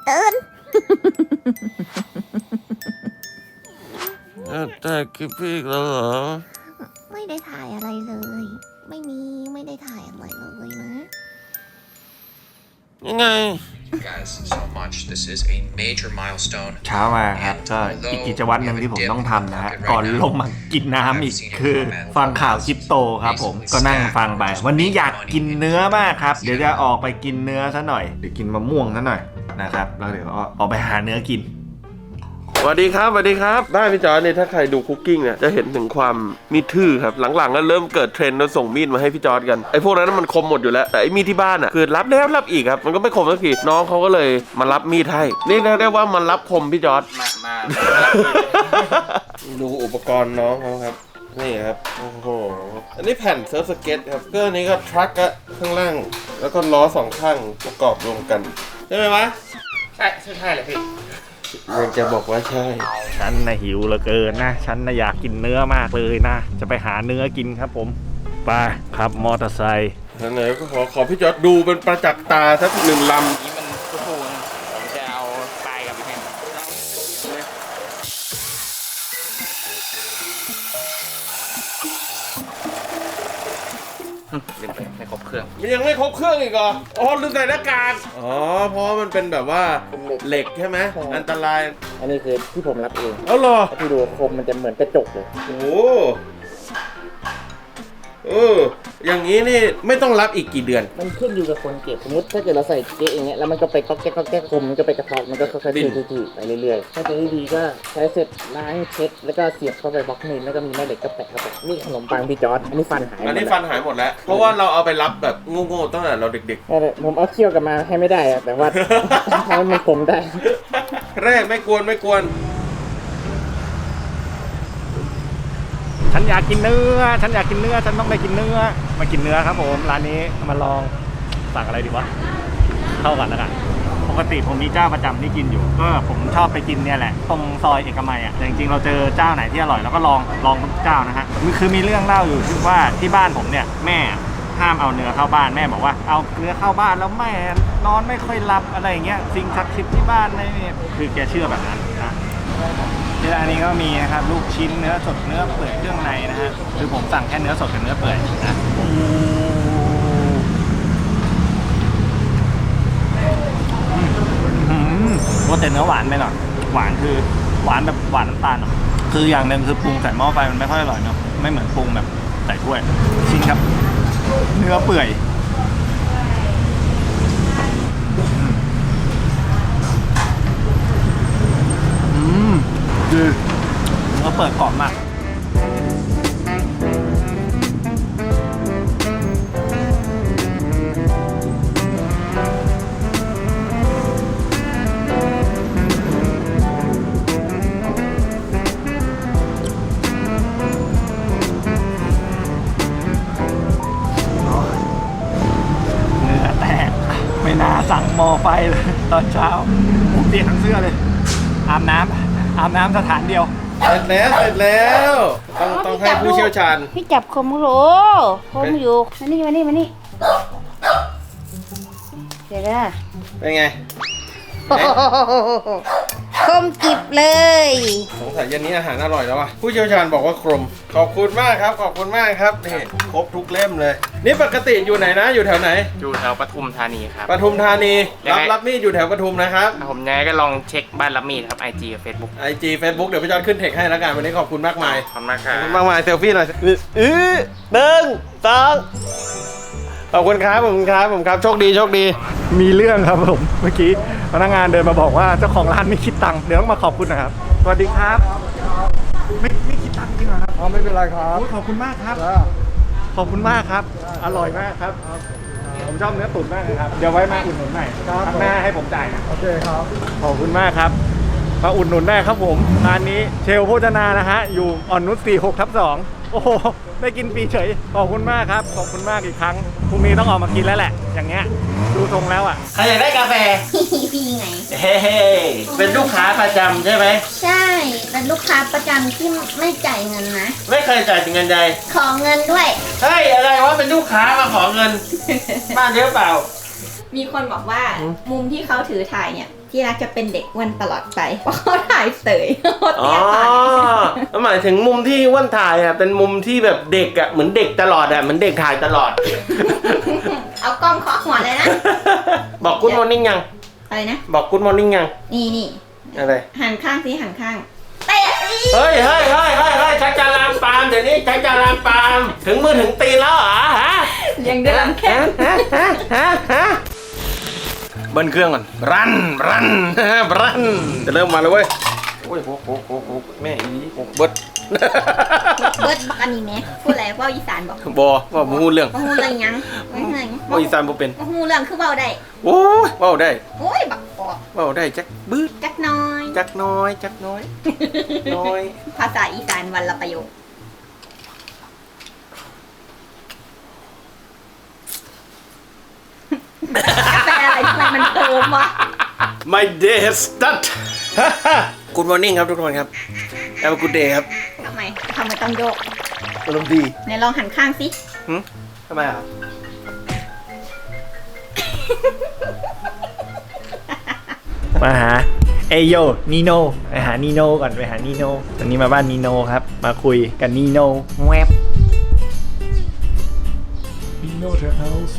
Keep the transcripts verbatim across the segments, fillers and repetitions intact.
เดินถ่ายคลิปพี่อีกแล้วเหรอไม่ได้ถ่ายอะไรเลยไม่มีไม่ได้ถ่ายอะไรเลยนะยังไง guys so much this is a major milestone เช้ามาครับก็อีกกิจวัตรหนึ่งที่ผมต้องทำนะฮะก่อนลงมากินน้ำอีกคือฟังข่าวคริปโตครับผมก็นั่งฟังไปวันนี้อยากกินเนื้อมากครับเดี๋ยวจะออกไปกินเนื้อซะหน่อยเดี๋ยวกินมะม่วงซะหน่อยนะครับแล้วเดี๋ยวออกไปหาเนื้อกินสวัสดีครับสวัสดีครับบ้านพี่จอร์จเนี่ยถ้าใครดูคุกกิ้งเนี่ยจะเห็นถึงความมีดทื่อครับหลังๆก็เริ่มเกิดเทรนด์เราส่งมีดมาให้พี่จอร์จกันไอ้พวกนั้นมันคมหมดอยู่แล้วแต่ไอ้มีดที่บ้านอ่ะคือรับแล้วรับอีกครับมันก็ไม่คมสักทีน้องเขาก็เลยมารับมีดให้นี่เรียกได้ว่ามันรับคมพี่จอร์จมามาดูอุปกรณ์น้องเขาครับนี่ครับโอ้โหอันนี้แผ่นเซิร์ฟสเก็ตครับก็อันนี้ก็ทรัคก็ข้างล่างแล้วก็ล้อสองข้างประกอบรวมกันใช่ไหมวะใช่ใช่ใช่เลยพี่ยังจะบอกว่าใช่ฉันน่ะหิวเหลือเกินนะฉันน่ะอยากกินเนื้อมากเลยนะจะไปหาเนื้อกินครับผมไปครับมอเตอร์ไซค์ไหนๆก็ขอขอพี่จอร์จดูเป็นประจักษ์ตาสักหนึ่งลำนี้มันทุกคนผมจะเอาปลายกับพี่เพนลืมไปไม่ครบเครื่องมันยังไม่ครบเครื่องอีกเหรออ๋อลืมใส่หน้ากากอ๋อเพราะมันเป็นแบบว่าเหล็กใช่ไหมอันตรายอันนี้คือที่ผมรับเองเอาเหรอที่ดูคมมันจะเหมือนกระจกเลยโอ้เอออย่างนี้นี่ไม่ต้องรับอีกกี่เดือนมันขึ้นอยู่กับคนเก็บสมมติถ้าเกิดเราใส่เก๊ะอย่างเงี้ยแล้วมันก็ไปก๊อกแก๊กก๊อกแก๊กคมมันก็ไปกระทบมันก็ค่อยๆทื่อๆไปเรื่อยๆถ้าจะดีก็ใช้เสร็จล้างเช็ดแล้วก็เสียบเข้าไปบล็อกมิลแล้วก็มีแม่เหล็กก็แปะเข้าไปนี่ขนมปังพี่จอร์จอันนี้ฟันหายอันนี้ฟันหายหมดแล้วเพราะว่าเราเอาไปรับแบบโง่ๆตั้งแต่เราเด็กๆผมเอาเขี้ยวกลับมาให้ไม่ได้แต่ว่าทำให้มันคมได้แรกไม่กวนไม่กวนฉันอยากกินเนื้อฉันอยากกินเนื้อฉันต้องไปกินเนื้อมากินเนื้อครับผมร้านนี้มาลองสั่งอะไรดีวะเข้ากันแล้วกันปกติผมมีเจ้าประจำที่กินอยู่ก็ผมชอบไปกินเนี่ยแหละตรงซอยเอกมัยอ่ะแต่จริงๆเราเจอเจ้าไหนที่อร่อยแล้วก็ลองลองทุกเจ้านะฮะคือมีเรื่องเล่าอยู่ที่ว่าที่บ้านผมเนี่ยแม่ห้ามเอาเนื้อเข้าบ้านแม่บอกว่าเอาเนื้อเข้าบ้านแล้วแม่นอนไม่ค่อยหลับอะไรอย่างเงี้ยสิ่งศักดิ์สิทธิ์ที่บ้านอะไรเนี่ยคือแกเชื่อแบบนั้นนะที่ร้านนี้ก็มีนะครับลูกชิ้นเนื้อสดเนื้อเปื่อยเครื่องในนะฮะคือผมสั่งแค่เนื้อสดกับเนื้อเปื่อยนะว่าแต่เนื้อหวานไปหน่อยหวานคือหวานแบบหวานน้ำตาลคืออย่างหนึ่งคือปรุงใส่หม้อไฟมันไม่ค่อยอร่อยเนาะไม่เหมือนปรุงแบบใส่ถ้วยชิ้นครับเนื้อเปื่อยคือเนื้อเปิดกรอบมากเนื้อแตกไม่น่าสั่งหม้อไฟเลยตอนเช้าผมเปียกทั้งเสื้อเลยอาบน้ำอาบน้ำสถานเดียวเสร็จแล้วเสร็จแล้วต้องต้องให้ผู้เชี่ยวชาญพี่จับคมโหลคมอยู่มานี่มานี่มานี่เดี๋ยวนะเป็นไงคมกิบเลยสงสัยเย็นนี้อาหารอร่อยแล้วว่ะผู้เชี่ยวชาญบอกว่าคมขอบคุณมากครับขอบคุณมากครับนี่ครบทุกเล่มเลยนี่ปกติอยู่ไหนนะอยู่แถวไหนอยู่แถวปทุมธานีครับปทุมธานีรับรับมีดอยู่แถวปทุมนะครับผมแน่ก็ลองเช็คบ้านรับมีดครับ ไอ จี กับ Facebook ไอ จี Facebook เดี๋ยวพี่จอร์จขึ้นเทคให้แล้วกันวันนี้ขอบคุณมากมายขอบคุณมากครับมากมายเซลฟี่หน่อยอื้อหนึ่งสองขอบคุณครับขอบคุณครับผมครับโชคดีโชคดีมีเรื่องครับผมเมื่อกี้พนักงานเดินมาบอกว่าเจ้าของร้านไม่คิดตังค์เดี๋ยวต้องมาขอบคุณนะครับสวัสดีครับไม่ไม่คิดตังค์จริงเหรอครับอ๋อไม่เป็นไรครับขอบคุณมากครับขอบคุณมากครับอร่อยมากครับผมชอบเนื้อตุ๋นมากเลยครับเดี๋ยวไว้มาอุดหนุนใหม่ครั้งหน้าให้ผมจ่ายนะโอเคครับขอบคุณมากครับมาอุดหนุนได้ครับผมร้านนี้เชลโภชนานะฮะอยู่อ่อนนุชสี่หกทับสองโอ้โหได้กินฟรีเฉยขอบคุณมากครับขอบคุณมากอีกครั้งพรุ่งนี้ต้องออกมากินแล้วแหละอย่างเงี้ยดูทรงแล้วอ่ะใครอยากได้กาแฟพี่ไงเฮ้เป็นลูกค้าประจำใช่ไหมใช่เป็นลูกค้าประจำที่ไม่จ่ายเงินนะไม่เคยจ่ายเงินใดขอเงินด้วยเฮ้ยอะไรวะเป็นลูกค้ามาขอเงินบ้านเยอะเปล่ามีคนบอกว่ามุมที่เขาถือถ่ายเนี่ยที่รักจะเป็นเด็กอ้วนตลอดไปเพราะเขาถ่ายเสยโคตรอ๋อเตี้ยไปหมายถึงมุมที่อ้วนถ่ายอ่ะเป็นมุมที่แบบเด็กอ่ะเหมือนเด็กตลอดอ่ะเหมือนเด็กถ่ายตลอดเอากล้องเคาะหัวเลยนะบอกกู๊ดมอร์นิ่งยังอะไรนะบอกกู๊ดมอร์นิ่งยังนี่นี่อะไรหันข้างสิหันข้างเตะอีเฮ้ยเฮ้ยเฮ้ยเฮ้ยเฮ้ยชักจะลามปามเดี๋ยวนี้ชักจะลามปามถึงมือถึงตีนแล้วเหรอฮะยังเดินแค่ฮะฮะฮะฮะเบิ้ลเครื่องก่อนรันรันรันจะเริ่มมาแล้วเว้ยโอ้ยโหโหโหโหแม่อีโหเบิดเบิร์ดบักอันนี้ไหมพูดอะไรว่าอีสานบอกบอว่ามูเรื่องว่าฮูเรื่องยังว่าฮูเรื่องยังว่าอีสานบ่เป็นว่าฮูเรื่องคือเบาได้โอ้ยเว้าได้โอ้ยบักปอกเว้าได้จักบื้ดจักน้อยจักน้อยจักน้อย น้อยภาษาอีสานวันละประโยคกาแฟอะไรทำไมมันโคมวะ My day has started Good morning ครับทุกคนครับ Have a good day ครับทำไมทำไมต้องโยกอารมณ์ดีไหนลองหันข้างสิหึทำไมอ่ะมาหาเอโยนีโนไปหานีโนก่อนไปหานีโนวันนี้มาบ้านนีโนครับมาคุยกันนีโนแวบนีโนเทอร์เฮาส์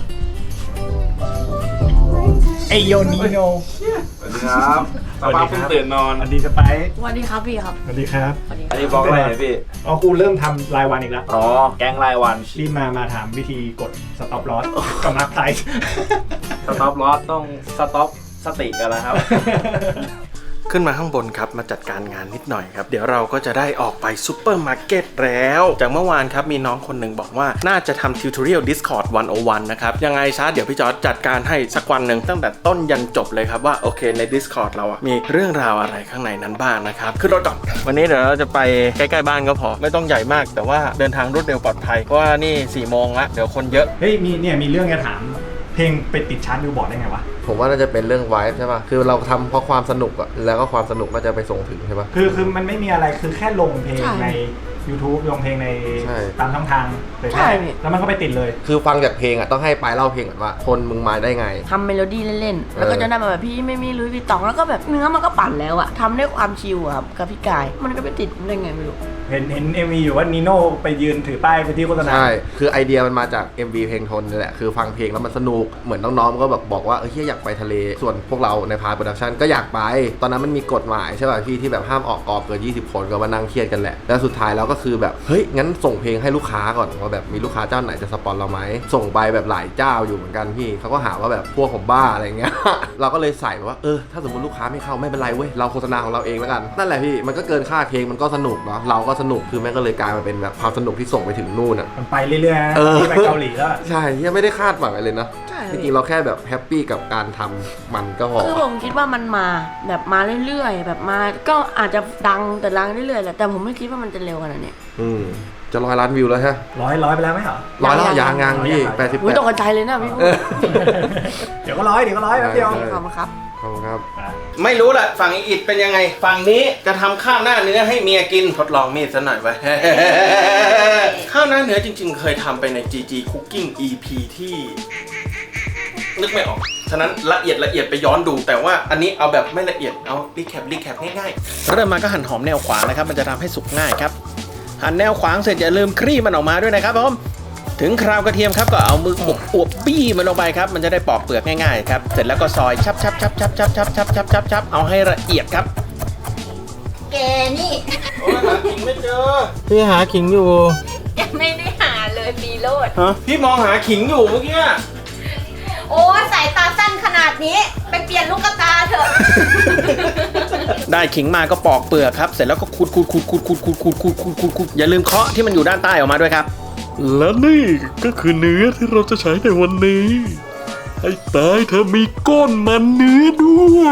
เอโยนีโนสวัสดีครับสภาพเพิ่งตื่นนอนสวัสดีสไปซ์สวัสดีครับพี่ครับสวัสดีครับสวัสดีคอัรันบนี้บล็อกอะไรเนี่ยพี่อ๋อกูเริ่มทำรายวันอีกแล้วอ๋อ แกงรายวันรีบมามาถามวิธีกดสต็อปลอสกำลังไซส์สต็อปลอสต้องสต็อปสติกันแล้วครับขึ้นมาข้างบนครับมาจัดการงานนิดหน่อยครับเดี๋ยวเราก็จะได้ออกไปซูเปอร์มาร์เก็ตแล้วจากเมื่อวานครับมีน้องคนหนึ่งบอกว่าน่าจะทำทิวทอเรียล Discord หนึ่งศูนย์หนึ่งนะครับยังไงซะเดี๋ยวพี่จอร์จจัดการให้สักวันหนึ่งตั้งแต่ต้นยันจบเลยครับว่าโอเคใน Discord เราอะมีเรื่องราวอะไรข้างในนั้นบ้างนะครับขึ้นรถก่อนวันนี้เดี๋ยวเราจะไปใกล้ๆบ้านก็พอไม่ต้องใหญ่มากแต่ว่าเดินทางรวดเร็วปลอดภัยเพราะว่านี่สี่โมงละเดี๋ยวคนเยอะเฮ้ยมีเนี่ยมีเรื่องจะถามเพลงไปติดชาร์ตบิลบอร์ดได้ไงวะผมว่าน่าจะเป็นเรื่องไวฟ์ใช่ป่ะ คือเราทำเพราะความสนุกอะแล้วก็ความสนุกน่าจะไปส่งถึงใช่ป่ะคือคือมันไม่มีอะไรคือแค่ลงเพลงใช่ใน YouTube ลงเพลงในใช่ตามช่องทางเลยใช่พี่แล้วมันก็ไปติดเลยคือฟังจากเพลงอะต้องให้ปลายเล่าเพลงก่อนว่าคนมึงมาได้ไงทำเมโลดี้เล่นๆ แล้วก็เออจะได้มาแบบพี่ไม่มีลุยพี่ตองแล้วก็แบบเนื้อมันก็ปั่นแล้วอะทำด้วยความชิลอะครับกับพี่กาย มันก็ไปติดได้ไงไม่รู้เห็นเห็นเอ็มวีอยู่ว่านีโน่ไปยืนถือป้ายไปที่โฆษณาใช่ คือไอเดียมันมาจาก เอ็ม วี เพลงทนนี่แหละ คือฟังเพลงแล้วมันสนุก เหมือนน้องๆก็แบบบอกว่าเออเฮียอยากไปทะเล ส่วนพวกเราในพาร์ทโปรดักชันก็อยากไป ตอนนั้นมันมีกฎหมายใช่ป่ะพี่ที่แบบห้ามออกกองเกินยี่สิบคนก็มานั่งเครียดกันแหละ แล้วสุดท้ายเราก็คือแบบเฮ้ยงั้นส่งเพลงให้ลูกค้าก่อนว่าแบบมีลูกค้าเจ้าไหนจะสปอนเราไหมส่งไปแบบหลายเจ้าอยู่เหมือนกันพี่เขาก็หาว่าแบบพวกผมบ้าอะไรเงี้ย เราก็เลยใส่แบบว่าเออถ้าสมมติลูกค้าไม่เข้าไม่เป็นไรเว้ยเราโฆษณาของเราเองแล้วกันนั่นแหละพี่มันก็เกินค่าเพลงมันก็สนุกเนาะเราก็สนุกคือแม่งก็เลยกลายมาเป็นแบบความสนุกที่ส่งไปถึงนู่นอ่ะมันไปเรื่อยๆนะเออที่ไปเกาหลีแล้วอะใช่ยังไม่ได้คาดหวังอะไรเลยนะใช่จริงๆเราแค่แบบแฮปปี้กับการทำมันก็พอคือผมคิดว่ามันมาแบบมาเรื่อยๆ แบบมาก็อาจจะดังแต่ดังเรื่อยๆแหละแต่ผมไม่คิดว่ามันจะเร็วขนาดนี้อืมจะร้อยล้านวิวแล้วใช่ร้อยร้อยไปแล้วไหมเหรอร้อยแล้วยัยาง งยัยางงพี่ยังแปดสิบอุ้แปยดตกใจเลยนะพี่พูดเดี๋ยวก็ร้อยเดี๋ยวก็ร้อยแป๊บเดียวใช่ขอบคุณครับขอบคุณครับอ่ะไม่รู้แหละฝั่งอีอิดเป็นยังไง ฝั่งนี้จะทำข้าวหน้าเนื้อให้เมียกินทดลองมีดซะหน่อยไว้ ข้าวหน้าเนื้อจริงๆ เคยทำไปใน จี จี Cooking อี พี ที่นึกไม่ออก ฉะนั้นละเอียดละเอียดไปย้อนดู แต่ว่าอันนี้เอาแบบไม่ละเอียดเอารีแคปรีแคปง่ายๆเริ่มมาก็หั่นหอมแนวขวางนะครับมันจะทำให้สุกง่ายครับหั่นแนวขวางเสร็จอย่าลืมคลี่มันออกมาด้วยนะครับผมถึงคราวกระเทียมครับก็เอามืออบอวบบี้มันลงไปครับมันจะได้ปอกเปลือกง่ายๆครับเสร็จแล้วก็ซอยชับชับชับชับชับชับชับชับชับชับเอาให้ละเอียดครับแกนี่โอ้ยหาขิงไม่เจอพี่หาขิงอยู่ยังไม่ได้หาเลยปีโรดฮะพี่มองหาขิงอยู่เมื่อกี้โอ้สายตาสั้นขนาดนี้ ไปเปลี่ยนลูกตาเถอะได้ขิงมาก็ปอกเปลือกครับเสร็จแล้วก็ขูดขูดขูดขูดขูดขูดขูดขูดขูดขูดขูดอย่าลืมเคาะที่มันอยู่ด้านใต้ออกมาด้วยครับและนี่ก็คือเนื้อที่เราจะใช้ในวันนี้ ให้ตายเธอมีก้นมันเนื้อด้วย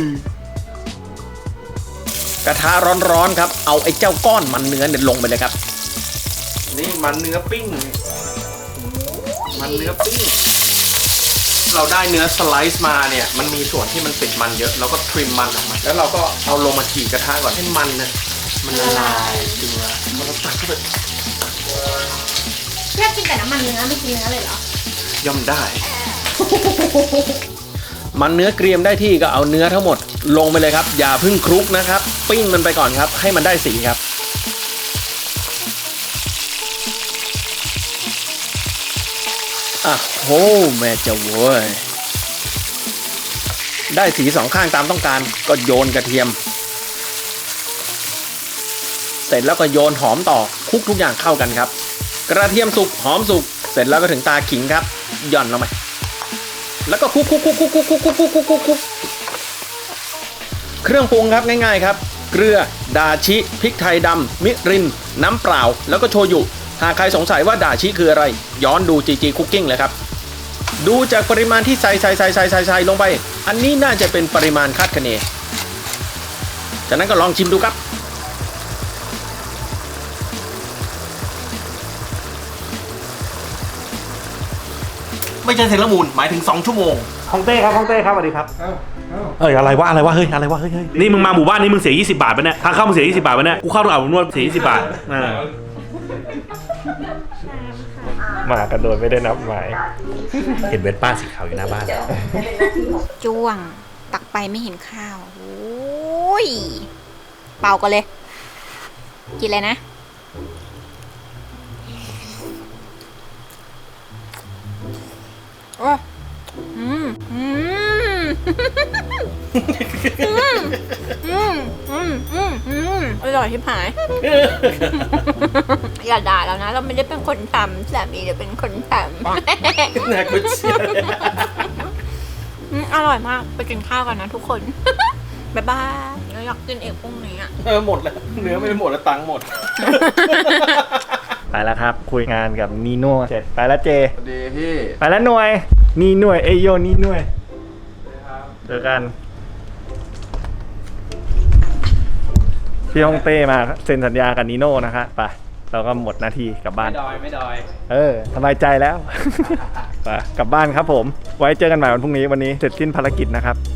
กระทะร้อนๆครับเอาไอ้เจ้าก้อนมันเนื้อเนี่ยลงไปเลยครับนี่มันเนื้อปิ้งมันเนื้อปิ้งเราได้เนื้อสไลซ์มาเนี่ยมันมีส่วนที่มันติดมันเยอะเราก็ทริมมันออกมาแล้วเราก็เอาลงมาฉีกกระทะก่อนให้มันเนี่ยมันละลายจริงละมันละตักเข้าไปแค่กินแต่น้ำมันเนื้อไม่กินเนื้อเลยเหรอย่อมได้มันเนื้อเกรียมได้ที่ก็เอาเนื้อทั้งหมดลงไปเลยครับอย่าเพิ่งคลุกนะครับปิ้งมันไปก่อนครับให้มันได้สีครับอ่ะโหแม่เจ้าเว้ยได้สีสองข้างตามต้องการก็โยนกระเทียมเสร็จแล้วก็โยนหอมต่อคลุกทุกอย่างเข้ากันครับกระเทียมสุกหอมสุกเสร็จแล้วก็ถึงตาขิงครับหย่อนลงไปแล้วก็คลุกคลุกคลุกคลุกคลุกคลุกคลุกคลุกคลุกคลุกคลุกเครื่องปรุงครับง่ายๆครับเกลือดาชิพริกไทยดำมิรินน้ำเปล่าแล้วก็โชยุหากใครสงสัยว่าดาชิคืออะไรย้อนดู จี จี Cooking เลยครับดูจากปริมาณที่ใส่ใส่ใส่ใส่ใส่ใส่ลงไปอันนี้น่าจะเป็นปริมาณคาดคะเนจากนั้นก็ลองชิมดูครับไม่ใช่เซรามูนหมายถึงสองชั่วโมงฮ่องเต้ครับฮ่องเต้ครับสวัสดีครับเอ้ยอะไรวะอะไรวะเฮ้ยอะไรวะเฮ้ยนี่มึงมาหมู่บ้านนี้มึงเสียยี่สิบบาทปะเนี่ยทางเข้ามึงเสียยี่สิบบาทปะเนี่ยกูเข้าอาบนวดเสียยี่สิบบาทอ่ามากันโดยไม่ได้นับหมายเห็นเวทป้าสีขาวอยู่หน้าบ้านจ้วงตักไปไม่เห็นข้าวโอ้ยเป่ากันเลยกินเลยนะโอ้อืมอืมอืมอืมอืมอืมอืมอร่อยที่หายอย่าด่าแล้วนะเราไม่ได้เป็นคนทำสามีเราเป็นคนทำน่ากุเชียอืมอร่อยมากไปกินข้าวกันนะทุกคน บ๊ายบายเราอยากกินเอกพรุ่งนี้อ่ะเออหมดแล้วเนื้อไม่ได้หมดแล้วตังค์หมดไปแล้วครับคุยงานกับนีโน่เสร็จไปแล้วเจสวัสดีพี่ไปแล้วหน่วยนี่หน่วยเอโยนี่หน่วยเจอกันพี่ฮ่องเต้มาเซ็นสัญญากับนีโน่นะคะไปเราก็หมดหน้าที่กลับบ้านไม่ดอย ไม่ดอยเออสบายใจแล้ว ไปกลับบ้านครับผมไว้เจอกันใหม่วันพรุ่งนี้วันนี้เสร็จสิ้นภารกิจนะครับ